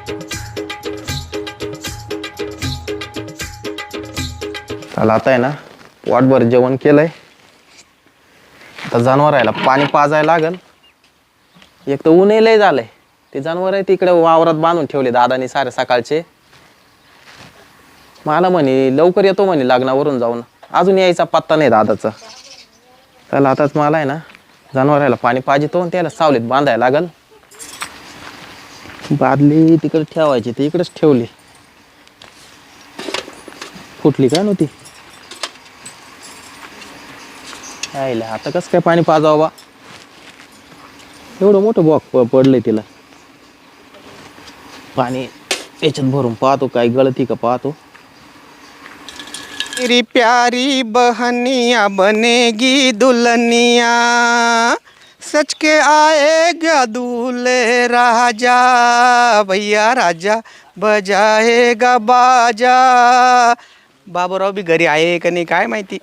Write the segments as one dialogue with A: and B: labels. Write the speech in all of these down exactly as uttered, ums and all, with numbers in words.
A: चला आता आहे ना वाटभर जेवण केलंय. आता जनावरायला पाणी पाजायला लागल. एक तर ऊनही लय झालंय. ते जनावर आहे तिकडे वावरात बांधून ठेवले दादानी सारे सकाळचे. मला म्हणे लवकर येतो म्हणे लग्नावरून जाऊन, अजून यायचा पत्ता नाही दादाचा. त्याला आताच मला आहे ना जनावरायला पाणी पाजितो आणि त्याला सावलीत बांधायला लागल. बादली तिकडे ठेवायची ती इकडेच ठेवली. फुटली काय नव्हती. आईला आता कसं काय पाणी पाजावं बा. एवढं मोठं बॉक पडलंय तिला. पाणी याच्यात भरून पाहतो काय गळती का पाहतो.
B: मेरी प्यारी बहनिया बनेगी दुल्हनिया, सच के आएगा दूल्हे राजा, भैया राजा बजाएगा बाजा. बाबूराव बी घरी आहे का नाही काय माहिती.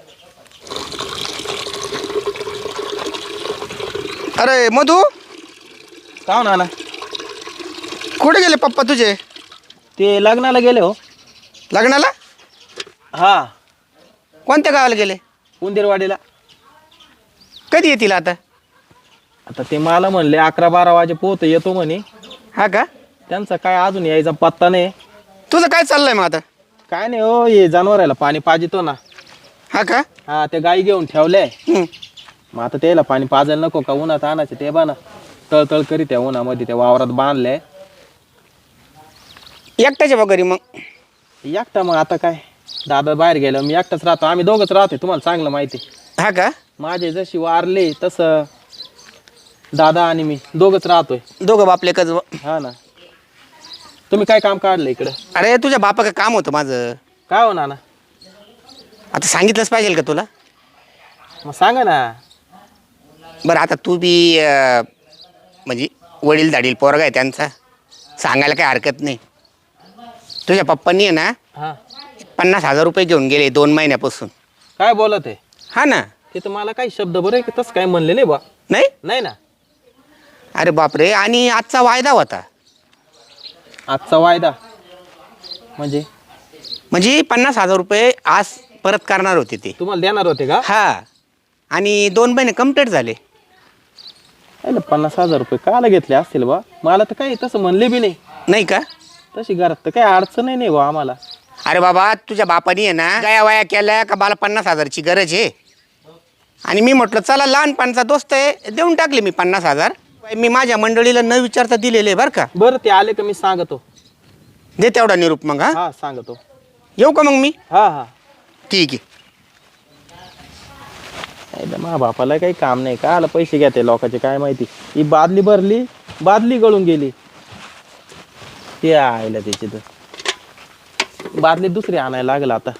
B: अरे मधू,
A: का ना
B: कुठे गेले पप्पा तुझे?
A: ते लग्नाला गेले हो.
B: लग्नाला?
A: हा,
B: कोणत्या गावाला गेले?
A: उंदीरवाडीला.
B: कधी येतील आता?
A: आता ते मला म्हणले अकरा बारा वाजे पोहत येतो म्हणे.
B: हा का?
A: त्यांचा काय अजून यायचा पत्ता नाही.
B: तुझं काय चाललंय मग आता?
A: काय नाही हो, ये जनावरायला पाणी पाजितो ना.
B: हा का?
A: हा, ते गाई घेऊन ठेवले.
B: हम्म.
A: मग आता त्याला पाणी पाजायला नको का उन्हात आणायचे ते बा ना. तळतळ करीत त्या उन्हामध्ये त्या वावरात बांधले.
B: एकट्याच्या वगैरे मग?
A: एकटा मग आता काय, दादा बाहेर गेलं मी एकटाच राहतो. आम्ही दोघंच राहतोय, तुम्हाला चांगलं माहिती.
B: हा का?
A: माझे जशी वारले तसं दादा आणि मी दोघंच राहतोय.
B: दोघं बापले कच.
A: हा ना. तुम्ही काय काम काढलं इकडं?
B: अरे तुझ्या बापा का काम होतं माझं.
A: काय हो नाना?
B: आता सांगितलंच पाहिजे का तुला?
A: मग सांगा ना.
B: बरं आता तू बी अं, म्हणजे वडील धाडील पोरगा आहे त्यांचा, सांगायला काही हरकत नाही. तुझ्या पप्पांनी आहे ना
A: हा,
B: पन्नास हजार रुपये घेऊन गेले दोन महिन्यापासून.
A: काय बोलत आहे?
B: हा ना.
A: ते तर मला काही शब्द बरं आहे की तसं काय म्हणले नाही बा.
B: नाही
A: नाही ना.
B: अरे बापरे. आणि आजचा वायदा होता.
A: आजचा वायदा म्हणजे?
B: म्हणजे पन्नास हजार रुपये आज परत करणार होते ते.
A: तुम्हाला देणार होते का?
B: हा. आणि दोन महिने कम्प्लीट झाले.
A: अरे पन्नास हजार रुपये काला घेतले असतील बा. मला तर काही तसं म्हणले बी नाही.
B: नाही का?
A: तशी घरात तर काही अडचण नाही बा आम्हाला.
B: अरे बाबा तुझ्या बापानी आहे ना गया वाया केल्या का मला पन्नास हजारची गरज आहे. आणि मी म्हटलं चला लहानपणचा दोस्त आहे देऊन टाकले मी पन्नास हजार. मी माझ्या मंडळीला न विचारता दिलेले बरं का.
A: बरं ते आले का मी सांगतो.
B: दे तेवढा निरूप मग. हा
A: हा सांगतो.
B: येऊ का मग मी?
A: हा हा.
B: ठीक आहे.
A: मा बापाला काही काम नाही का आला पैसे घेते लोकांचे काय माहिती. ही बादली भरली, बादली गळून गेली. ते आयला त्याची तर बादली दुसरी आणायला लागला. आता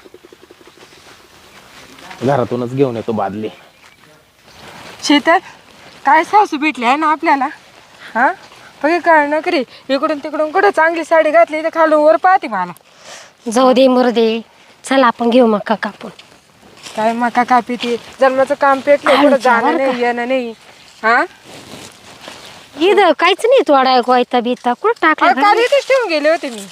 A: घरातूनच घेऊन येतो बादली.
C: शीतल, काय सासू भेटली आहे ना आपल्याला. हा बघे काय नकरी इकडून तिकडून कुठं चांगली साडी घातली तर खालून वर पाहते मला.
D: जाऊ दे मुर्दे, चल आपण घेऊ मका कापून.
C: काय मका कापी ती जन्माचं काम पेटलं कुठं जाणं नाही येणं नाही. हा
D: इथं काहीच नाही तोडा गोयता बिता कुठं टाकलं
C: काल इथेच ठेवून गेले होते मी.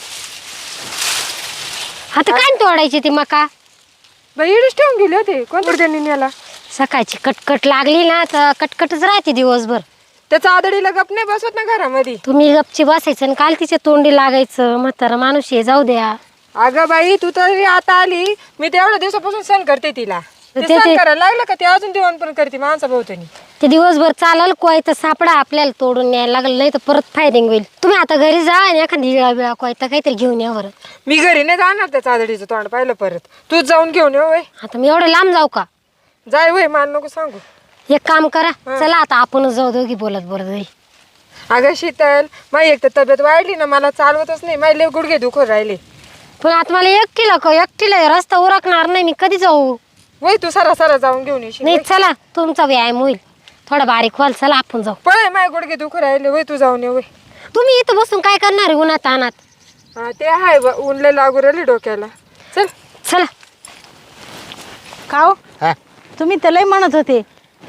D: आता काय तोडायची ती मका?
C: बाई इथेच ठेवून गेले होते. कोणत्या त्यांनी नेला?
D: सकाळची कटकट लागली ना तर कटकटच राहते दिवसभर.
C: त्याचा आदडीला गप नाही बसवत ना घरामध्ये.
D: तुम्ही गपची बसायचं आणि काल तिच्या तोंडी लागायचं. म्हातारा माणूस ये जाऊ द्या.
C: अगं बाई तू तरी आता आली. मी तेवढ्या दिवसापासून सण करते तिला. ते
D: ते-
C: सण
D: ते-
C: करायला लागलं का ते अजून दिवण पण करते माणसा भोवतणी.
D: ते दिवसभर चालाल कोयता सापडा आपल्याला तोडून न्यायला लागलं नाही तर परत फायरिंग होईल. तुम्ही आता घरी जा आणि एखादी इळा बिळा कोयता काहीतरी घेऊन या बरं.
C: मी घरी नाही जाणार त्या आदडीचं तोंड पाहिलं परत. तूच जाऊन घेऊन ये वय.
D: आता मी एवढं लांब जाऊ का?
C: जाय वय मला नको सांगू.
D: एक काम करा, चला आता आपणच जाऊ दोघी बोलत बोलत जाई.
C: अगं शीतल माझी एक तर तब्येत वाढली ना मला चालवतच नाही. माझे लय गुडघे दुखत राहिले.
D: पण आता मला एकटीला का एकटीला रस्ता उरकणार नाही. मी कधी जाऊ?
C: वय तू सरा सरा जाऊन घेऊन येशील.
D: नाही चला तुमचा व्यायाम होईल. थोडा बारीक व्हाल. चला आपण जाऊ.
C: पळय माझे गुडघे दुखत राहिले. वय तू जाऊन ये वय.
D: तुम्ही इथं बसून काय करणार आहे उन्हात अनात?
C: हा ते आहे बा, ऊन लय लागू राहिली डोक्याला. चल
D: चला.
E: का हो? तुम्ही तर लय म्हणत होते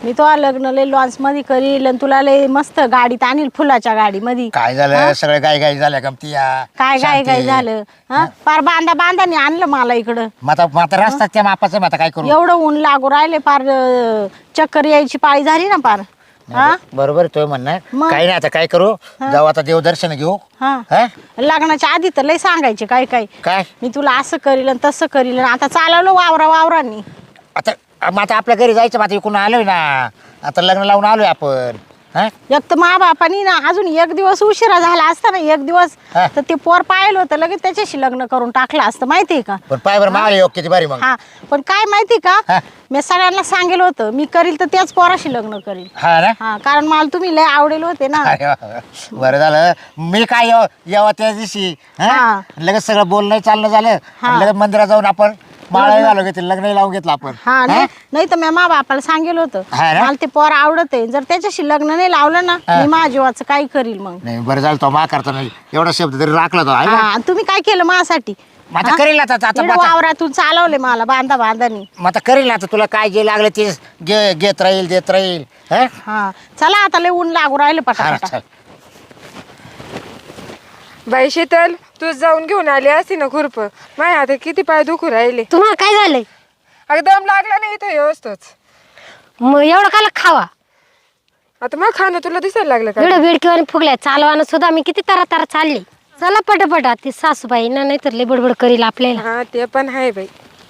E: मी तो लग्न लय लॉन्च मध्ये करील आणि तुला लय मस्त गाडीत आणील फुलाच्या गाडी मध्ये.
F: काय झालं सगळं गाई गाई झाल्या गमती या
E: काय काय काय झालं हा पार बांधा बांधाने आणलं मला इकडं.
F: माता माता रस्ता त्या मापाचं माता काय करू.
E: एवढं ऊन लागू राहिले पार अं, चक्कर यायची पाळी झाली ना पार. हा
F: बरोबर तो म्हणणं
E: मग?
F: काही नाही आता काय करू जाऊ आता देवदर्शन घेऊ.
E: हा
F: हा?
E: लग्नाच्या आधी तर लय सांगायचे काय काय
F: काय
E: मी तुला असं करील आणि तसं करील आणि आता चालवलं वावरा वावरांनी.
F: आता मग आता आपल्या घरी जायचं मग आता इकडून आलोय ना आता लग्न लावून आलोय आपण. हा
E: एक तर मा बापानी ना अजून एक दिवस उशिरा झाला असता ना एक दिवस
F: हा.
E: तर ते पोर पाहिलं होतं लगेच त्याच्याशी लग्न करून टाकलं असतं माहितीये का.
F: पण पाय बरं मावले योग किती भारी मग.
E: हा पण काय माहिती
F: हा.
E: का मी सगळ्यांना सांगेल होतं मी करील तर त्याच पोराशी लग्न करील.
F: हा ना
E: हा कारण मला तुम्ही लय आवडेल होते ना.
F: अरे वा, वा. बरं झालं मी काय येव येवा त्या दिवशी हा?
E: हा.
F: लगेच सगळं बोलणं चालणं झालं
E: हा.
F: आणि लगेच मंदिरात जाऊन आपण माळा घालून घेतली लग्न लावून घेतलं आपण.
E: हा
F: हा?
E: नाही नाही तर मी मा बापाला सांगेल होतं
F: हा ना?
E: मला ते पोर आवडत आहे जर त्याच्याशी लग्न नाही लावलं ना
F: हा.
E: मी माझ्या जीवाचं काय करील मग.
F: नाही बरं झालं तो मा करता नाही एवढा शब्द तरी राखला तो आहे
E: हा
F: ना?
E: आणि तुम्ही काय केलं माझ्यासाठी.
F: मग आता करेल आता आता
E: इकडं
F: आता-
E: वावरातून चालवले मला बांधा बांधानी.
F: मग आता करेल ना आता तुला काय जे लागलं ते घे घेत राहील देत राहील. हा?
E: हा चला आता लय ऊन लागू राहिलं
F: हा,
E: पटापटा.
F: चल.
C: बाई शीतल तू जाऊन घेऊन आली असती ना खुरप माझ्या आता किती पाय दुखू राहिले.
D: तुम्हाला काय झालंय
C: अगं दम लागला नाही इथं व्यवस्थित.
D: मग एवढं काला खावा
C: आता मग खाणं तुला दिसायला लागलं का.
D: एवढं बेडकीवाने फुगल्या चालवानं सुद्धा मी किती तारा तारा चालली. चला पटापटा ती सासूबाई ना नाही तर लय बडबड करील आपल्याला.
C: हा ते पण आहे बाई.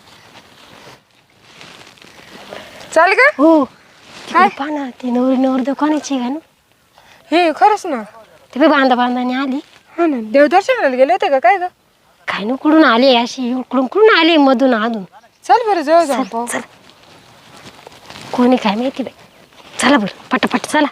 C: चाल का
D: हो काय पाना ती नवरी नवर कोणाची का ना
C: हे खरंच ना.
D: ते बी बांधा बांधाने आली.
C: हा ना देवदर्शनाला गेले होते का काय ग.
D: काय ना कुठून आली अशी इकडून कुठून आली मधून अधून.
C: चल बरं जवळ जाऊ पाहू.
D: चल कोणी काय माहिती बाई. चला बरं पटापट चला.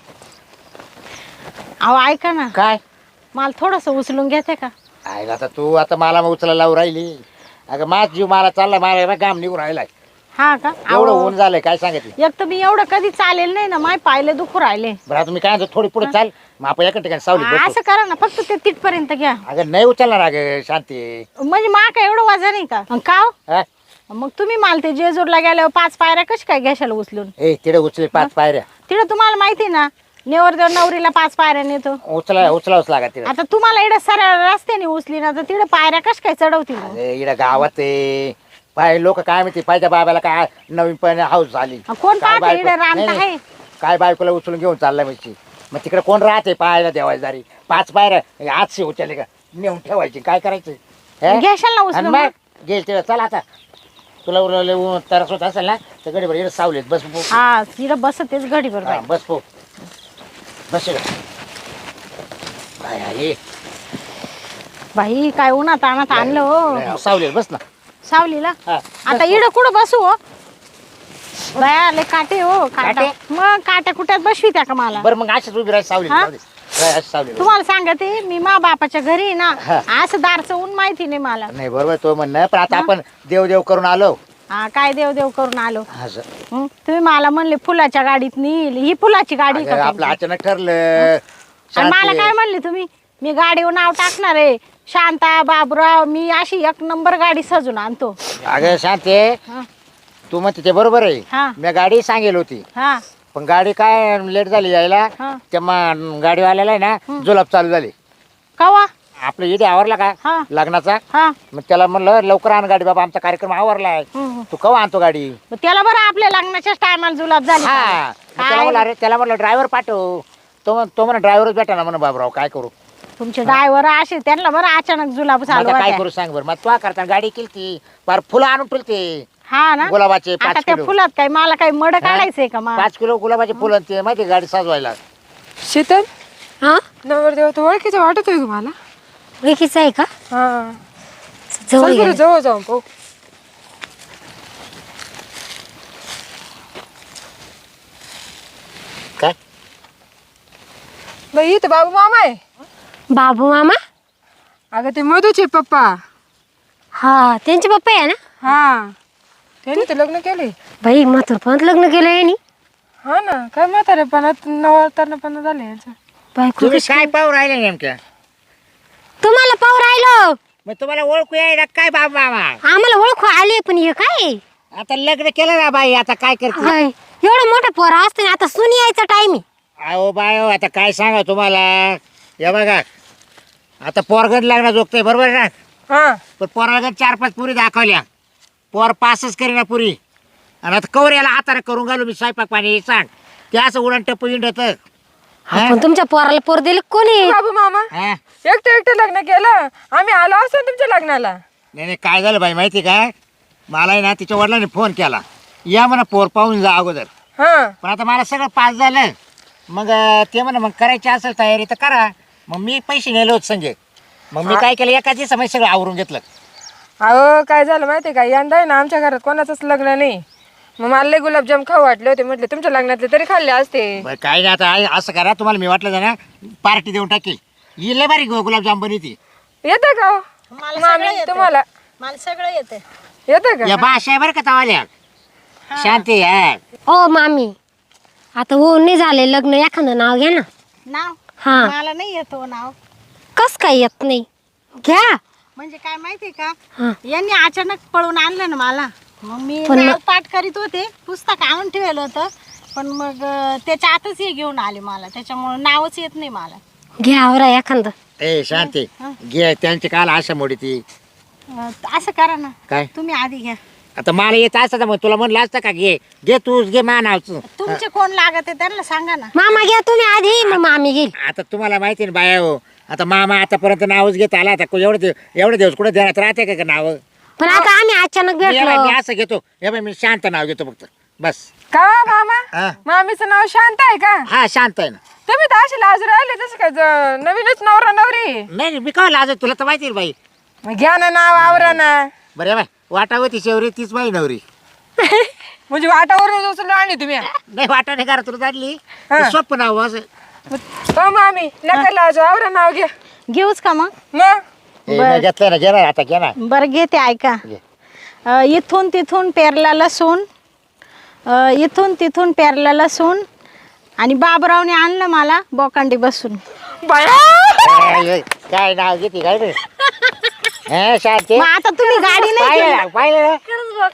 E: अहो ऐका ना
F: काय
E: मला थोडस उचलून घेते का.
F: आहे आता तू आता मला मग उचला लावून राहिली अगं माझ जीव मला चालला मला गाम निघून राहिलाय
E: हा का
F: एवढं
E: अहो,
F: ऊन झालंय काय सांगितलं.
E: एक तर मी एवढं कधी चालेल नाही ना माय पायले दुखू राहिले.
F: बरं आता मी काय म्हणतो थोडी पुढे चाल मग आपण एका ठिकाणी सावली बसतो.
E: असं करा ना फक्त ते तिथपर्यंत घ्या
F: अगं नाही उचलणार अगं शांती.
E: म्हणजे मा काय एवढं वजन आहे का. अन का हो?
F: हा?
E: मग तुम्ही मला ते जेजूरला गेल्यावर पाच पायऱ्या कशी काय घ्याशाला उचलून.
F: ए तिकडे उचले पाच पायऱ्या
E: तिकडं तुम्हाला माहिती ना नेवरदेव नवरीला पाच पायऱ्या नेतो.
F: उचला उचलावच लागत तिकडे.
E: आता तुम्हाला इकडे सरळ रस्त्याने उचली ना तर तिकडे पायऱ्या कशी काय चढवतील मग?
F: अरे इकडे गावात आहे पाय लोक काय माहिती पाहिजे बाबाला काय नवीन पण हाऊस झाली.
E: कोण
F: काय
E: पाहते इकडे
F: बायको-
E: रान
F: नाही,
E: तर
F: नाही.
E: आहे.
F: काय बायकोला उचलून घेऊन चाललाय म्हणजे मग तिकडे कोण राहते पाहायला देवायची दारी पाच पायऱ्या आजशी उचलले का नेऊन ठेवायची काय करायचं हे?
E: घ्याशाल ना
F: आणि
E: उचलून
F: मग
E: मग?
F: गेल तिकडे चला आता तुला उरले तरस होत असेल ना तर गडीभर इकडे सावलीत बस पो.
E: हा तिकडे बसतेच घडी
F: हा,
E: बरोबर.
F: बस पो बस इकडे. काय आहे?
E: बाई काय उन्हात आणत आणलं हो
F: नाही, सावलीत बस ना.
E: सावलीला.
F: हा.
E: आता इड कुठं बसू हो बाया लय काटे हो काटा
F: काटे?
E: मग काट्या कुट्यात बसवी त्या का मला.
F: बरं मग अशीच उभी राहायची सावलीत
E: हा?
F: जाऊ दे. राह, अशी सावलीत.
E: तुम्हाला सांगते मी मा बापाच्या घरी आहे ना
F: हा.
E: असं दारचं ऊन माहिती नाही मला.
F: नाही बरोबर तो म्हणणं पण आता आपण देव देव करून आलो
E: हा काय देव देव करून आलो.
F: असं.
E: हं? तुम्ही मला म्हणले फुलाच्या गाडीत नेईल ही फुलाची गाडी का
F: अगं, आपलं
E: तुमची?
F: अचानक ठरलं
E: आणि मला
F: शांती.
E: काय म्हणले तुम्ही मी गाडीवर नाव टाकणार आहे शांता बाबूराव मी अशी एक नंबर गाडी सजून आणतो.
F: अगं शांती
E: हा.
F: तू म्हणते ते बरोबर आहे
E: हा.
F: मी गाडी सांगेल होती
E: हा
F: पण गाडी काय लेट झाली यायला
E: हा.
F: त्या मा- गाडीवाल्याला आहे ना जुलाब चालू झाली
E: कवा
F: आपलं इथे आवरला का
E: हा.
F: लग्नाचा
E: हा
F: मग त्याला म्हणलं लवकर आण गाडी बाबा आमचा कार्यक्रम आवरलाय
E: हं.
F: तू केव्हा आणतो गाडी
E: मग त्याला बरं आपल्या लग्नाच्याच टायमाला जुलाब झाली
F: हा
E: का?
F: मग त्याला
E: काय
F: म्हणलं अरे त्याला म्हणलं ड्रायव्हर पाठव तो म्हण- तो म्हणा ड्रायव्हरच भेटा ना म्हणा बाबराव काय करू
E: तुमचे ड्रायव्हर असे त्यांना बरं अचानक जुलाब
F: मग
E: चालू
F: आता काय
E: होत्या.
F: करू सांग बरं मग तू करता गाडी केली ती फार फुलं आणून ठेवते
E: हा ना
F: गुलाबाचे
E: आता
F: पाच
E: त्या
F: किलो
E: फुलात काय मला काही मड काढायचंय का मा
F: पाच किलो गुलाबाचे फुलं आणि ते माहिती गाडी सजवायला
C: शीतल
D: हा
C: नवरदेव तो ओळखीचं वाटतोय तुम्हाला.
D: ओळखीचं आहे का
C: हा
D: जवळ
C: चल बरं
D: गेलं.
C: जवळ जाऊन पाहू.
F: काय
C: बाई इथं बाबू मामा आहे.
D: बाबू मामा
C: अगं ते मधूचे पप्पा.
D: हा त्यांचे पप्पा आहे ना.
C: हा त्यांनी तर लग्न केले.
D: बाई म्हातारपणात लग्न केलं यांनी.
C: हा ना काय म्हातारेपणात नवरतारपणा झाले यांचं.
D: बायको
F: तुम्ही
D: कशी-
F: काय पाहू राहिले नेमक्या
D: तुम्हाला पाहू राहिलो
F: मग तुम्हाला ओळखू यायला काय बाबा मामा
D: आम्हाला ओळखू आले पण हे काय
F: आता लग्न केलं ना बाई आता काय करते
D: हाय एवढं मोठं पोर असतं ना, आता सुनी यायचा टाइम आहे.
F: अहो बाय हो, आता काय सांगा तुम्हाला. हे बघा आता पोरगड लागणार जोगतंय बरोबर आहे ना.
C: हा
F: पण पोराला चार पाच पुरी दाखवल्या, पोर पासच करीना पुरी. आणि आता कवर याला हाताने करून घालू मी स्वयंपाक पाणी सांग. ते असं उडण टप्पू इंडत.
D: पण तुमच्या पोराला पोर दिले कोणी?
C: बाबू मामा एकटं एकटं लग्न केलं, आम्ही आलो असतो ना तुमच्या लग्नाला.
F: नाही नाही काय झालं बाई माहिती का, मला आहे ना तिच्या वडिलांनी फोन केला, या म्हणा पोर पाहून जा अगोदर.
C: हा
F: पण आता मला सगळं पास झालं. मग अं, ते म्हणा मग करायची असेल तयारी तर करा. मग मी पैसे नेले होते संजय. मग मी काय केलं, एका दिवसा सगळं आवरून घेतलं.
C: अहो काय झालं माहितीये का, यंदा आहे ना आमच्या घरात कोणाचंच लग्न नाही. मग मला लय गुलाबजाम खाऊ वाटले होते, म्हटले तुमच्या लग्नातले तरी खाल्ले असते.
F: बरं काय नाही, आता आहे असं करा, तुम्हाला मी वाटलं ना पार्टी देऊन टाकेल. ही लय बारी गुलाबजाम बनवती.
C: येतं का हो?
E: मला
C: मामी,
E: सगळं येतं.
C: तुम्हाला
E: मला सगळं येतं.
C: येतं का?
F: या भाषा आहे बरं का तवाल्या. शांती आहे.
D: ओ मामी, आता हो नाही झाले लग्न, एखादं नाव घ्या ना.
E: नाव
D: हा.
E: मला नाही येतो नाव.
D: कस काय येत नाही? घ्या.
E: म्हणजे काय माहितीये का,
D: हा.
E: यांनी अचानक पळून आणलं ना मला. मग मी
D: पण
E: नाव पाठ करीत होते, पुस्तक आणून ठेवलं होतं. पण मग अं, त्याच्या आतच हे घेऊन आले मला, त्याच्यामुळे नावच येत नाही मला.
D: घ्या आवरा एखादं.
F: ए शांती घे, त्यांची काल आशा मोडी ती.
E: अं, असं करा ना,
F: काय
E: तुम्ही आधी घ्या.
F: आता मला येत असतं मग तुला म्हणलं असतं का घे घे तूच घे मा नावचं.
E: तुमचे कोण लागत आहे त्यांना सांगा ना.
D: मामा घ्या तुम्ही आधी, मग मामी घेईल.
F: आता तुम्हाला माहिती ना बाया हो, आता मामा आतापर्यंत नावच घेत आला. आता एवढं दिवस एवढे दिवस कुठे देण्यात राहते का नाव.
D: पण आता आम्ही अचानक भेटलो.
F: मी असं घेतो, हे बाई मी शांत नाव घेतो फक्त बस.
C: का मामा,
F: हा.
C: मामीचं नाव शांत आहे का?
F: हा शांत आहे ना.
C: तुम्ही तर अशी लाज राहिले तसं काय, ज- नवीनच नवरा नवरी.
F: नाही नाही, मी काय लाज तुला तर माहिती आहे बाई.
C: मग घ्या ना नाव, आवरा ना.
F: बरं बाय वाटावं ती शेवरी तीच बाई नवरी.
C: म्हणजे वाटावरून उचलून आणली तुम्ही.
F: नाही वाटा नाही करा तुला जाडली
C: हा.
F: सोपं नाव असं.
C: हो मामी, नका लाज, आवरा नाव घ्या.
E: घेऊच का मग?
C: मग
F: ए, मी घेतलं ना घे ना आता घे ना.
E: बरं घेते, ऐका.
F: घे.
E: अं, इथून तिथून पेरला लसूण, अं, इथून तिथून पेरला लसूण, आणि बाबरावने आणलं मला बोकांडी बसून.
C: बाया,
F: काय हे, काय नाव घेते काय रे. हे शांती
E: मग आता तुम्ही गाडी नाही
F: पाहिलं
E: केली.
F: ना, पाहिलं ना?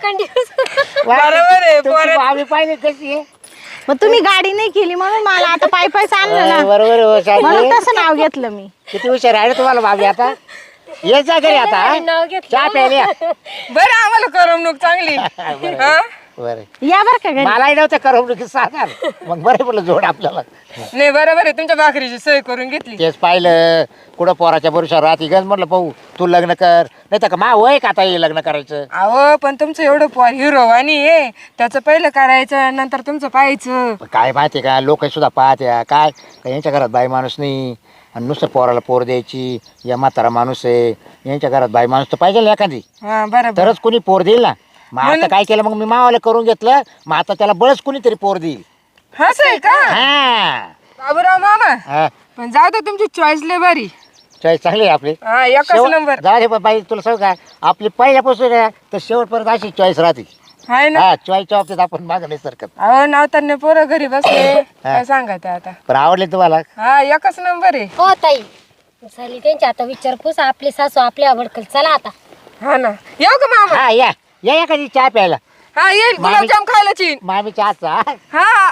C: बरोबर आहे,
F: तुमची
C: पोरं-
F: भाभी पाहिली कशी आहे.
E: मग तुम्ही गाडी नाही केली म्हणून मला आता पाय पायच आणलं
F: हा,
E: ना,
F: बरोबर आहे हो,
E: म्हणून
F: शांती
E: तसं नाव घेतलं मी.
F: किती हुशार आहे रे तुम्हाला भाभी. आता येत जा घरी आता हा? चहा प्यायला.
C: बरं आम्हाला करमणूक चांगली. हा?
F: बरं
E: या बरं का घरी.
F: मलाही नव्हतं करमणुकी सांगाल मग बरं पडलं जोड आपल्याला.
C: नाही बरोबर आहे, तुमच्या भाकरीची सोय करून घेतली.
F: तेच पाहिलं कुठं पोराच्या भरोशावर राहते गंज म्हटलं पाहू तू लग्न कर, नाही तर का मा वय का आता हे लग्न करायचं.
C: अहो पण तुमचं एवढं पोर हिरो आणि हे त्याचं पहिलं करायचं, नंतर तुमचं पाहायचं.
F: पण काय माहिती का, लोक सुद्धा पाहत्या काय का यांच्या घरात बाई माणूस नाही आणि नुसतं पोराला पोर द्यायची, या म्हातारा माणूस आहे, यांच्या घरात बाई माणूस तर पाहिजे ना एखादी,
C: हा बरोबर.
F: तरच कोणी पोर देईल ना. मग आता काय केलं, मग मी मावाला करून घेतलं, मग आता त्याला बळच कोणीतरी पोर देईल.
C: असं आहे का
F: हा
C: बाबूराव मामा?
F: हा
C: पण जाऊ दे, तुमची चॉईस लय भारी.
F: चॉईस चांगली आहे आपली.
C: हा एकच
F: शेवट-
C: नंबर
F: जाऊ दे बाई तुला सांगू का, आपली पहिल्यापासून आहे तर शेवटपर्यंत अशी चॉईस राहते.
C: आहे ना.
F: हा चॉईसच्या बाबतीत आपण मागं नाही सरकत.
C: अहो नावताने पोरं घरी बसले, काय सांगायचं आता.
F: पण आवडले तुम्हाला.
C: हा एकच नंबर आहे.
D: हो ताई, झाली त्यांची आता विचारपूस. आपली सासू आपल्या आवडकल. चला आता.
C: हा ना, येऊ का मामा?
F: हा या या या कधी चहा प्यायला.
C: हा येईल,
F: मामी-
C: गुलाबजाम खायला चीन.
F: मामी चहाचा.
C: हा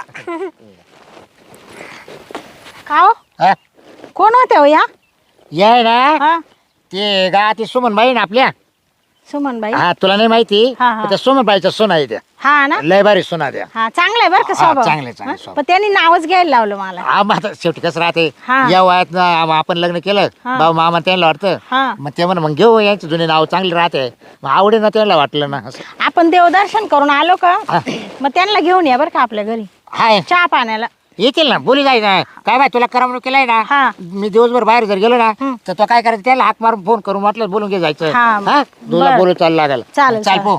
E: का हो?
F: हा
E: कोण होत्या हो या?
F: या आहे ना
E: हा,
F: ते गावात सुमन बाई ना आपल्या.
E: सुमनबाई.
F: हा तुला नाही माहिती,
E: हा, हा.
F: पण त्या सुमन बाईचा सोना आहे त्या.
E: हा ना.
F: लय भारी सोना द्या.
E: हा चांगलं आहे बरं का
F: हा,
E: स्वभाव.
F: चांगलं आहे, चांगलं आहे
E: हा?
F: स्वभाव.
E: पण त्यांनी नावच घ्यायला लावलं मला.
F: हा मग आता शेवटी कसं राहते,
E: हा.
F: या वयात ना आपण लग्न केलं,
E: हा.
F: भाऊ मामा त्यांना वाटतं,
E: हा.
F: मग ते म्हणा मग घेऊ यांचे जुने नाव चांगले राहते, मग आवडे ना त्यांना वाटलं ना असं.
E: आपण देवदर्शन करून आलो का,
F: हा.
E: मग त्यांना घेऊन या बरं का आपल्या घरी
F: हाय
E: चहा पाण्याला.
F: येतील ना, बोली जाय ना. काय बाय तुला करमणूक केलाय ना,
E: हा.
F: मी दिवसभर बाहेर जर गेलो ना
E: हं.
F: तर तो काय करायचं, त्याला हाक मारून फोन करून म्हटलं बोलून घे जायचं.
E: हा.
F: हा तुला
E: बरं.
F: बोलू चालू लागेल.
E: चालेल,
F: चाल पो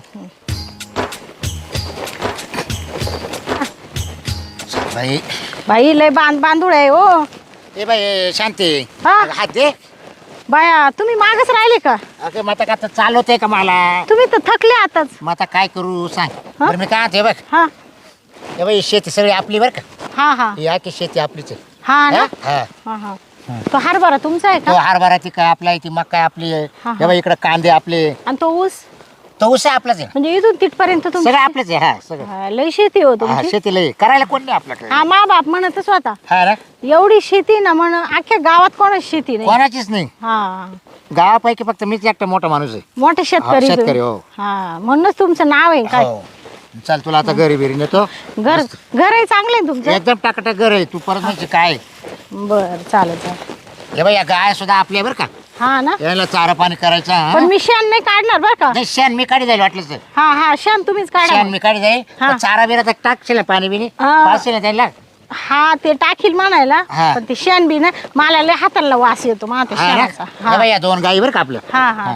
F: बाई.
E: बाई लय बांध बांधूळ आहे हो.
F: ए बाई शांती,
E: हा.
F: हात दे.
E: बाया तुम्ही मागच राहिले का?
F: अगं मग आता का चालवते का मला,
E: तुम्ही तर थकले आताच.
F: मग आता काय करू सांग.
E: हा?
F: बरं मी काय म्हणते बघ,
E: हा
F: ए बाई शेती सगळी आपली बरं का,
E: हा हा
F: ही आखी शेती आपलीच आहे.
E: हा ना.
F: हा?
E: हा हा तो हरभरा तुमचा आहे
F: तो
E: का?
F: हरभरा ती काय आपला आहे, ती मका आपली आहे.
E: हा, हा.
F: हे बाई इकडे कांदे आपले,
E: आणि तो ऊस?
F: तो ऊस आहे आपलाच आहे
E: म्हणजे इथून तिथपर्यंत तुमची
F: सगळं आपलंच आहे हा सगळं
E: हा, लय शेती हो
F: हा
E: तुमची
F: शेतीला ये. करायला कोण नाही आपल्याकडे
E: हा मा बाप म्हणतच होता
F: हा ना
E: एवढी शेती ना म्हण अख्ख्या गावात कोणाच शेती नाही
F: कोणाचीच नाही
E: हा
F: गावापैकी फक्त मीच एकटा मोठा माणूस आहे
E: मोठे शेतकरी
F: हा, शेतकरी,
E: तुम्ही.
F: हो.
E: हा म्हणूनच तुमचं नाव आहे काय
F: हो चल तुला आता घरी बिरी नेतो
E: घर घर आहे चांगलं आहे तुमचं
F: एकदम टाकाटक घर आहे तू परत म्हणजे काय
E: बर चालेल चालेल
F: हे बाई या गाय सुद्धा आपल्या बरं का
E: हा ना
F: याला चारा पाणी करायचा हा?
E: पण मी शेण नाही काढणार बर का
F: नाही शेण मी काढी जाईल वाटलं तर
E: हा हा शेण तुम्हीच काढा
F: शेण
E: मग.
F: मी काढी जाईल
E: हा.
F: पण चारा बिरा तर टाकशील ना पाणी बिनी
E: हा.
F: पाचशे ना त्याला
E: हा ते टाकील म्हणायला
F: हा.
E: पण ते शेण बी ना मला लय हाताला वास येतो मा ते
F: हा ना?
E: शेणाचा
F: हे
E: हा
F: बाई या दोन गाई बरं का आपलं
E: हा हा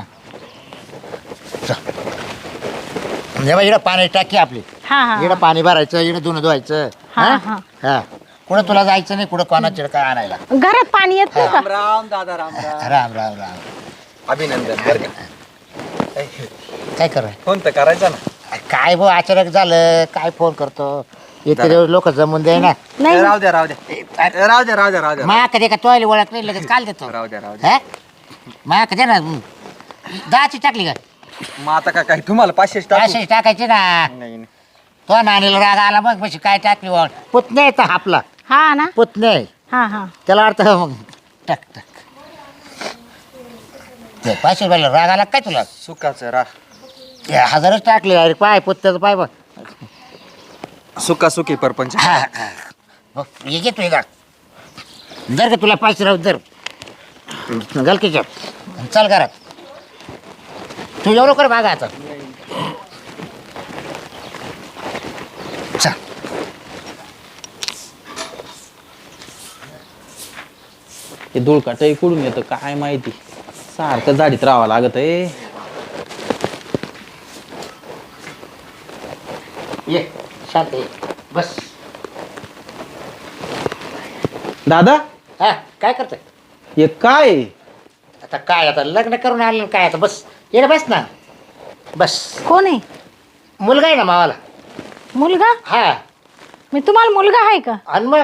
F: हे बाई इकडं पाणी टाकी आपली
E: हा हा
F: इकडं पाणी भरायचं इकडं धुणं धुवायचं
E: हा,
F: हा
E: हा.
F: हा कुठं तुला जायचं नाही कुठं कोणाच्या काय आणायला
E: घरात पाणी येत नाही का
G: राम दादा राम राम
F: राम राम राम
G: अभिनंदन बरं का
F: काय कराय
G: फोन तर करायचा ना
F: काय भाऊ अचानक झालं काय फोन करतो इतके दिवस लोक जमून दे ना
E: नाही
G: राहू द्या राहू द्या राहू द्या राहू द्या राहू द्या
F: मा कधी का तोयला ओळख नाही लगेच काल देतो
G: राहू द्या राहू द्या
F: हा मा कधी ना दहाची टाकली का
G: मग आता का काय तुम्हाला पाचशेच टाकू
F: पाचशे टाकायची ना
G: नाही नाही.
F: तो नाणीला राग आला मग म्हणजे काय टाकली वळ पुतणे तर आपला
E: हा ना
F: पुतणे
E: हा हा
F: त्याला अर्थ मग टाक टाक ते पाचशे रुपयाला राग आला काय तुला
G: सुखाचं रा
F: ते हजारच टाकले अरे पाय पुत्त्याचं पाय बघ
G: सुका सुखी परपंच
F: हा, हा. बघ, हे घे तू हे का जर का तुला पाचशे राहू जर गलकीच्या चल घरात तू एवढं कर मागा आता चल
A: हे धुळकाट कुठून येतं काय माहिती सारखं झाडीत राहावं लागत आहे
F: ये शांत ये बस
A: दादा
F: हा काय करतोय
A: हे काय आहे?
F: आता काय आता लग्न करून आलं काय आता बस ये बस ना बस
E: कोण आहे
F: मुलगा आहे ना मावाला
E: मुलगा
F: हा
E: मी तुम्हाला मुलगा आहे का
F: आणि मग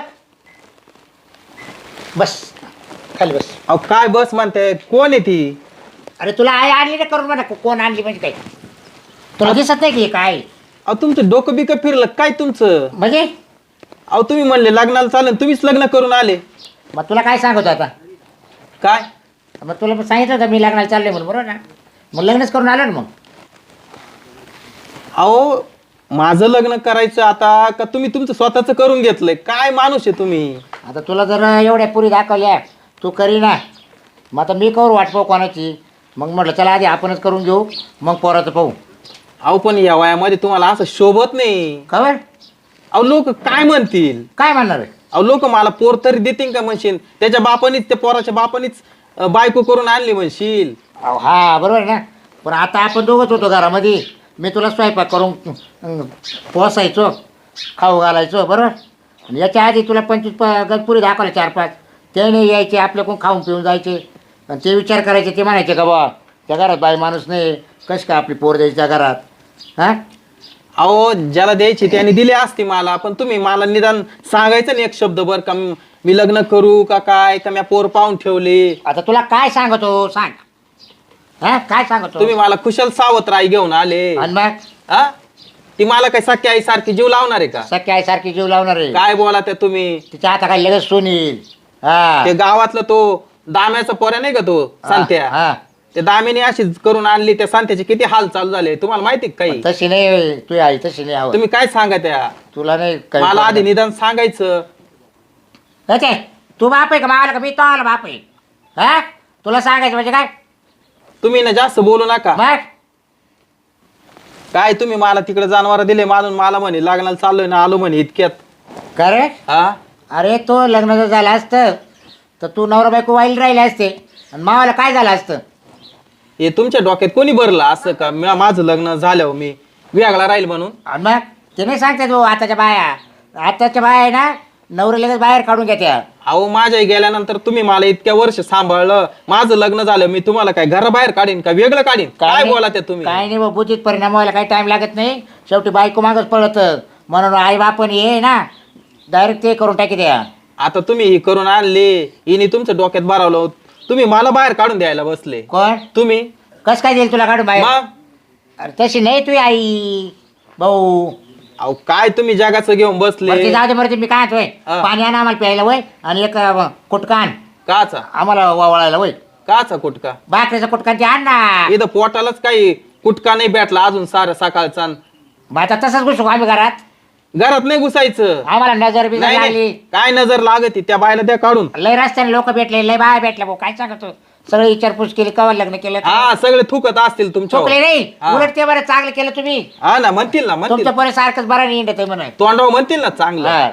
F: बस खाली बस
A: अहो काय बस म्हणते कोण आहे ती
F: अरे तुला आई आणली ना करून म्हणा कोण आणली म्हणजे काय तुला दिसत नाही की हे काय
A: अहो तुमचं डोकं बिकं फिरलं काय तुमचं
F: म्हणजे
A: अहो तुम्ही म्हणले लग्नाला चालेल तुम्हीच लग्न करून आले
F: मग तुला काय सांगतो आता
A: काय
F: मग तुला पण सांगितलं होतं मी लग्नाला चालले म्हणून बरोबर ना मग लग्नच करून आलो ना मग
A: अहो माझं लग्न करायचं आता का तुम्ही तुमचं स्वतःच करून घेतलंय काय माणूस आहे तुम्ही
F: आता तुला जर एवढ्या पुरी दाखवल्या तू करी ना मग आता मी करू वाट पाहू कोणाची मग म्हटलं चला आधी आपणच करून घेऊ मग पोराचं पाहू
A: अहो पण या वयामध्ये तुम्हाला असं शोभत नाही
F: खबर
A: अहो लोक काय म्हणतील
F: काय म्हणणार आहे
A: अहो लोक मला पोर तरी देतील का म्हणशील त्याच्या बापानीच त्या पोराच्या बापानीच अं, बायको करून आणली म्हणशील
F: अहो हा बरोबर आहे ना पण आता आपण दोघंच होतो घरामध्ये मी तुला स्वयंपाक करून अं, पोसायचो खाऊ घालायचो बरोबर आणि याच्या आधी तुला पंचवीस प गणपुरी दाखवले चार पाच ते नाही यायचे आपल्याकडून खाऊन पिऊन जायचे आणि ते विचार करायचे ते म्हणायचे का बा त्या घरात बाई माणूस नाही कशी काय आपली पोर द्यायची त्या घरात हां
A: अहो ज्याला द्यायची त्याने दिली असती मला पण तुम्ही मला निदान सांगायचं नाही एक शब्द बर का मी मी लग्न करू का काय का मी पोर पाहून ठेवले
F: आता तुला काय सांगतो सांग हा काय सांगतो
A: तुम्ही मला कुशल सावत्र आई घेऊन आले
F: आणि मग
A: हा ती मला काय सख्या आई सारखी जीव लावणार आहे का
F: सख्या आईसारखी जीव लावणार आहे
A: काय बोला त्या तुम्ही
F: तिच्या आता काय लगेच सुनील हा
A: ते गावातलं तो दाम्याचा पोऱ्या नाही का तो सांत्या
F: हा
A: ते दामिनी अशीच करून आणली त्या सांत्याचे किती हाल चालू झाले तुम्हाला माहिती का काही
F: तशी नाही तू आई तशी नाही आवड
A: तुम्ही काय सांगा त्या
F: तुला नाही काही
A: मला आधी निदान सांगायचं
F: अच्छा तू बाप आहे का मावाला का मी तो आला बाप आहे हा तुला सांगायचं म्हणजे काय
A: तुम्ही ना जास्त बोलू नका
F: मग
A: काय तुम्ही मला तिकडे जनावर दिले मानून मला म्हणे लग्नाला चाललोय ना आलो म्हणे इतक्यात
F: का रे
A: हा
F: अरे तो लग्न जर झालं असतं तर तू नवरा बायको वाईल राहिले असते आणि मावाला काय झालं असतं
A: हे तुमच्या डोक्यात कोणी भरलं असं का म्या- माझं लग्न झाल्यावर मी वेगळा राहील म्हणून
F: आणि मग ते नाही सांगते तू आताच्या बाया आताच्या बाया आहे ना नवरे लगेच बाहेर काढून घेत्या
A: अहो माझ्या गेल्यानंतर तुम्ही मला इतक्या वर्ष सांभाळलं माझं लग्न झालं मी तुम्हाला काय घराबाहेर काढीन का वेगळं काढीन काय
F: नाही-
A: बोला ते तुम्ही
F: काय नाही बा बुद्धीत परिणाम व्हायला काही टाइम लागत नाही शेवटी बायको मागच पळत म्हणून आई बापन ये ना डायरेक्ट ते करून टाकी द्या
A: आता तुम्ही ही करून आणले हिने तुमच्या डोक्यात भरवलं तुम्ही मला बाहेर काढून द्यायला बसले
F: कोण
A: तुम्ही
F: कस काय देईल तुला काढून बाहेर
A: मग
F: अरे तशी नाही तुझी आई भाऊ.
A: अहो काय तुम्ही जगाचं घेऊन बसले
F: वरती जाऊ दे मरते मी काय होय
A: हा.
F: पाणी आण आम्हाला प्यायला वय आणि एक अं, कुटकान
A: काचा
F: आम्हाला वावळायला वय
A: काचा कुटका
F: भाकरीचा कुटकान ते आण ना.
A: इथं पोटालाच काही कुटका नाही भेटला अजून सारं सकाळचा
F: मग आता तसंच घुसू आम्ही घरात.
A: घरात नाही घुसायचं.
F: आम्हाला नजर बिजर
A: नाही
F: लागली.
A: नाही. काय नजर लागती त्या बायला द्या काढून.
F: लय रस्त्याने लोक भेटले लय बाय भेटले भाऊ काय सांगतो सगळं विचारपूस केली कवा लग्न केलं
A: हा सगळे थुकत असतील तुमच्या
F: चुकले नाही
A: हा.
F: उलट ते बरं चांगलं केलं तुम्ही.
A: हा ना म्हणतील ना म्हणतील
F: तुमच्या पोरे सारखंच बरं नाही इंडत म्हणून.
A: तोंडावर म्हणतील ना चांगलं.
F: हा.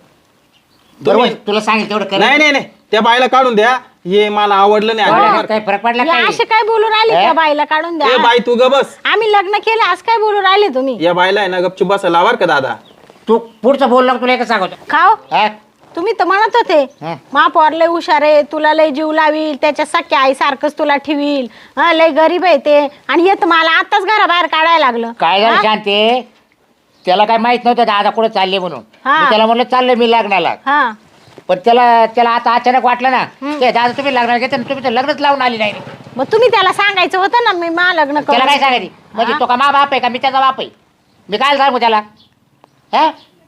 F: बरोबर तुला सांगितलं तेवढं कर.
A: नाही नाही नाही त्या बायला काढून द्या. हे मला आवडलं नाही अजिबात.
F: काही फरक पडला
E: हे
F: काय
E: असे काय बोलू राहिले त्या बाईला काढून
A: ए
E: द्या.
A: बाई तू ग बस.
E: आम्ही लग्न केलं असं काय बोलू राहिले तुम्ही?
A: या बायला आहे ना गपचूप बसायला बर का दादा.
F: तू पुढचं बोललो तुला एकच सांगतो.
E: खाओ
F: हा?
E: तुम्ही तर म्हणत होते
F: हं.
E: महापौर लय हुशार आहे, तुला लय जीव लावील, त्याच्या सख्या आई सारखंच तुला ठेवील, हा लय गरीब आहे ते, आणि येत मला आताच घराबाहेर काढायला लागलं.
F: काय झालं
E: हा?
F: शांती त्याला काय माहित नव्हतं दादा कुठे चालले म्हणून.
E: हा.
F: मी त्याला म्हणलं चाललोय मी लग्नाला.
E: हा
F: पण त्याला त्याला आता अचानक वाटलं ना ते दादा तुम्ही लग्नाला घेते ना, तुम्ही तर लग्नच लावून आली नाही.
E: मग तुम्ही त्याला सांगायचं होतं ना मी मा लग्न
F: त्याला काय
E: करू.
F: सांगायची म्हणजे
E: हा?
F: तो का मा बाप आहे का मी त्याचा बाप आहे. मी काय सांगू त्याला. हा?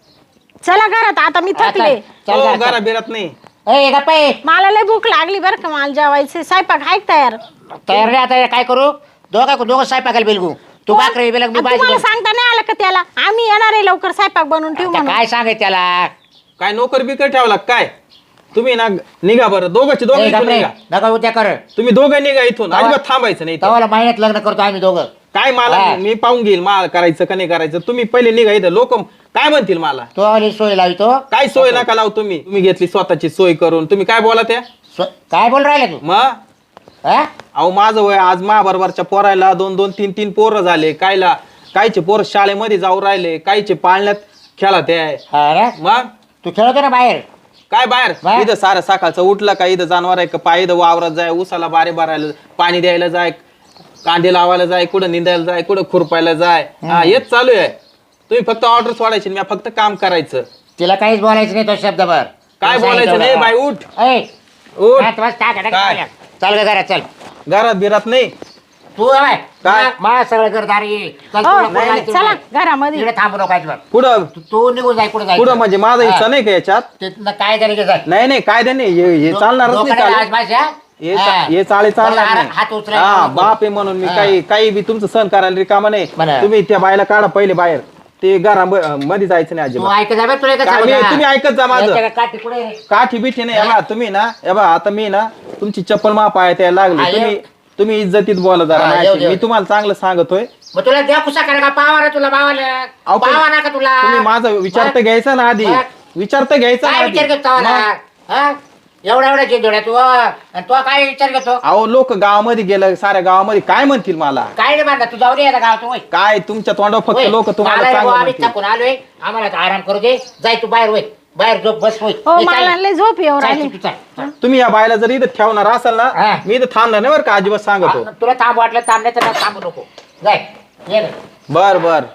E: चला घरात आता मी
F: हा,
E: थकले.
F: चल, चल,
A: हो,
F: चल, चल.
A: घरा बिरात नाही.
F: ए, गप्प आहे.
E: मला लय भूक लागली बरं का, मला जेवायचे स्वयंपाक आहे का तयार?
F: तयार नाही आता काय करू दोघा दोघं स्वयंपाकाला बिलगू तू बाकरे बिलग मी
E: आणि
F: बाजी
E: तुम्हाला
F: बनवू.
E: सांगता नाही आलं का त्याला आम्ही येणार आहे लवकर स्वयंपाक बनवून ठेवू
F: आता
E: म्हणून.
F: काय सांगाय त्याला.
A: काय नोकर बिकर ठेवला का काय तुम्ही ना निघा बरं दोघांचे
F: ए,
A: दोघं इथून
F: गप्रे,
A: निघा.
F: नका उद्या कर
A: तुम्ही दोघं निघा इथून
F: तवा-
A: अजिबात थांबायचं नाही इथं.
F: तवाला महिन्यात लग्न करतो आम्ही दोघं.
A: काय मला
F: हा.
A: मी पाहून घेईल मला करायचं का नाही करायचं. तुम्ही पहिले निघा इथं लोक काय म्हणतील मला.
F: तो आली सोय लावितो.
A: काय सोय नका लावू तुम्ही. तुम्ही घेतली स्वतःची सोय करून तुम्ही काय बोला त्या
F: स्व- काय बोल राहिला तू.
A: मग
F: हा?
A: अहो माझं वय आज महाबरोबरच्या पोरायला दोन दोन तीन तीन पोरं झाले. कायला कायचे पोरं शाळेमध्ये जाऊ राहिले, कायचे पाळण्यात खेळत आहे.
F: हा रे?
A: मग
F: तू खेळतो ना बाहेर.
A: काय बाहेर
F: बाहेर?
A: इथं सारं सकाळचं उठलं का इथं जनावर आहे का पाय इथं वावरात जाय, उसाला बारे भरायला पाणी द्यायला जाय, कांदे लावायला जाय, कुठं निंदायला जाय, कुठं खुरपायला जाय. हा हेच चालू आहे. तुम्ही फक्त ऑर्डर सोडायची मी फक्त काम करायचं.
F: तिला काहीच बोलायचं नाही तो शब्दभर.
A: काय
F: तुला
A: बोलायचं
F: सांगितलं
A: नाही
F: होतं.
A: बाई उठ
F: ए,
A: उठ
F: हात वाज टाक, टाक,
A: काय?
F: टाक. चल ग घरात चल.
A: घरात बिरात नाही.
F: तू आहे
A: काय?
F: मा सगळं घरदारी चल
E: हो,
F: तुला कुठं
E: नाही,
F: जायचं
E: चला
F: नाही.
E: घरामध्ये.
F: इकडे थांबू नको अजिबात.
A: कुठं
F: तू- तू निघून जाय कुठे जायचं
A: कुठं म्हणजे माझा हिस्सा नाही का याच्यात.
F: तिथनं काय झालं की जाय.
A: नाही नाही काय नाही हे हे चालणारच नाही
F: लोकांना
A: चालेल.
F: आज भाषा?
A: हे
F: हा.
A: चा- हे चाळे चालणार
F: चला,
A: नाही.
F: हात उचलायला
A: हा
F: नको.
A: बाप आहे म्हणून मी
F: हा.
A: काही काही बी तुमचं सहन करायला रिकामा नाही.
F: बरं.
A: तुम्ही त्या बायला काढा पहिले बाहेर. ते घरा मध्ये जायचं नाही
F: तू
A: अजिबात.
F: ऐकत जा बे, तुला एकच
A: काय
F: सांगू
A: मी-
F: ना.
A: तुम्ही ऐकत जा माझं.
F: याच्या काठी पुढे रे.
A: काठी बिठी नाही या बा, तुम्ही ना या बा आता मी ना तुमची चप्पल मा पायात यायला
F: हा,
A: लागली. तुम्ही
F: येऊ.
A: तुम्ही इज्जतीत बोला जरा
F: हा,
A: माझ्याशी.
F: येऊ, येऊ.
A: मी तुम्हाला चांगलं सांगतोय.
F: मग तुला द्या कुसा करा का पावा ना तुला बावाला
A: अहो, पण
F: पावा ना का तुला
A: तुम्ही माझा विचार तर घ्यायचा ना आधी.
F: बघ.
A: विचार तर घ्यायचा ना
F: काय
A: आधी.
F: विचार करतो
A: मग,
F: हा एवढा एवढा चिंदोड्या तू आणि तो काय विचार करतो
A: अहो लोक गावामध्ये गेलं साऱ्या गावामध्ये काय म्हणतील मला.
F: काय नाही बांधा तू जाऊ दे आता गाव तू
A: काय तुमच्या तोंडावर फक्त लोक तुम्हाला चांगलं
F: आम्ही
A: म्हणतील.
F: थकून आलोय आम्हाला आता आराम करू दे जाय तू बाहेर होय बाहेर झोप बस होय
E: हो
F: ए, चाल.
E: मला लय झोप येऊ
F: चाल
E: राहिली.
F: तू, चाल, चाल.
A: तुम्ही या बायला जर इथं ठेवणार असाल
F: हा.
A: ना मी इथं थांबणार नाही बरं का अजिबात सांगतो.
F: आ, तुला थांब वाटलं थांब नाही तर थांबू नको जाय ये रे.
A: बर बर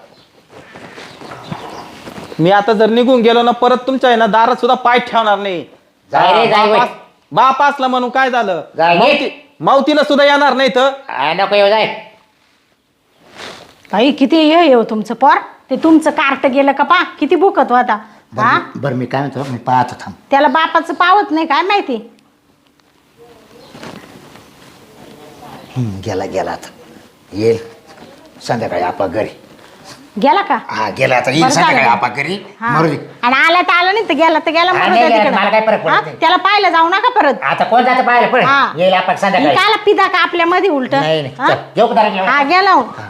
A: मी आता जर निघून गेलो ना परत तुमच्या आहे ना दारात सुद्धा पाय ठेवणार नाही.
F: जाय रे, जाय
A: बाप
F: वय.
A: अस- बाप असला म्हणून काय झालं
F: जाय रे.
A: मावती- मावतीला सुद्धा येणार नाही तर.
F: आ, नको येऊ जाय
E: बाई किती हे येऊ तुमचं पोर, ते तुमचं कार्ट गेलं का पा किती भुकत होता. हा
F: बरं बरं, मी काय म्हणतो मी पाहतो थांब
E: त्याला बापाचं पावत नाही काय माहिती.
F: हम्म, गेला गेला आता येईल संध्याकाळी आपा घरी
E: गेला का?
F: हा गेला आता येईल
E: बरं झालं.
F: संध्याकाळी आपा घरी
E: हा.
F: मरू दे.
E: आणि आला तर आला नाही तर गेला तर गेला
F: हा,
E: मरू
F: नाही,
E: द्या
F: नाही,
E: तिकडं.
F: मला काय फरक पडत
E: हा?
F: नाही.
E: त्याला पाहायला जाऊ नका परत.
F: आता कोण जातं पाहायला पण
E: हा.
F: येईल आपण संध्याकाळी
E: काला पिदा का आपल्या मध्ये उलट.
F: नाही नाही चल, जेवू का जरा जेवू?
E: हा गेला हो.